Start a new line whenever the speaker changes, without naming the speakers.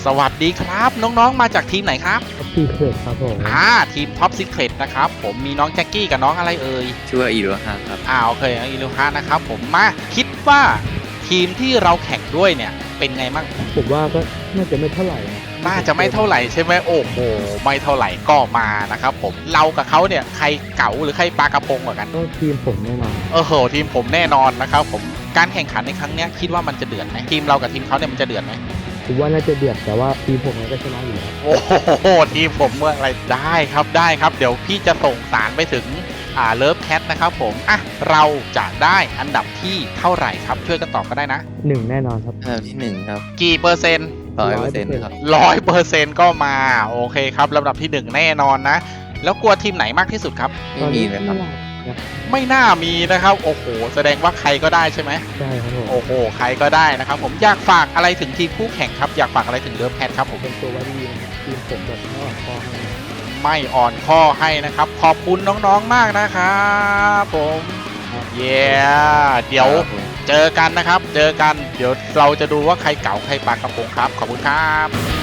สวัสดีครับน้องๆมาจากทีมไหนครับ
ทีเครดครับผม
ทีมท็อปซีเครตนะครับผมมีน้องแจ็คกี้กับน้องอะไรเอ่ย
ชื่อว่าอีโรฮาครับ
โอเคน้องอิลูฮานะครับผมมาคิดว่าทีมที่เราแข่งด้วยเนี่ยเป็นไงมั่ง
ผมว่าก็น่าจะไม่เท่าไหร่นะ
น่าจะไม่เท่าไหร่ใช่ไหมโอ้โหไม่เท่าไหร่ก็มานะครับผมเรากับเขาเนี่ยใครเก๋าหรือใครปลากระพงกว่ากัน
ก็ทีมผมแน่นอน
ทีมผมแน่นอนนะครับผมการแข่งขันในครั้งนี้คิดว่ามันจะเดือดไหมทีมเรากับทีมเขาเนี่ยมันจะเดือดไหม
ผมว่าน่าจะเดือดแต่ว่าทีมผมก็ชนะอยู่แล้ว
โอ้โหทีมผมเมื่อไรได้ครับเดี๋ยวพี่จะส่งสารไปถึงเลิฟแคทนะครับผมเราจะได้อันดับที่เท่าไหร่ครับช่วยกันตอบก็ได้นะ
1แน่นอนครับ
อันดับที่1ครับ
กี่เปอร์เซ็นต์
100%ครับ
100%ก็มาโอเคครับลำดับที่1แน่นอนนะแล้วกลัวทีมไหนมากที่สุดครับ
ไม่มีเลยครับ
ไม่น่ามีนะครับโอ้โหแสดงว่าใครก็ได้ใช่ไหม
ใช่ครับผม
โอ้โหใครก็ได้นะครับผมอยากฝากอะไรถึงทีมคู่แข่งครับอยากฝากอะไรถึงเลิฟแคทครับผม
เป็นตัวว่าดีนะครับทีมผมแบบ
ไม่อ่อนข้อให้นะครับขอบคุณน้องๆมากนะครับผมเเดี๋ยวเจอกันนะครับเจอกันเดี๋ยวเราจะดูว่าใครเก๋าใครปลากระพงครับขอบคุณครับ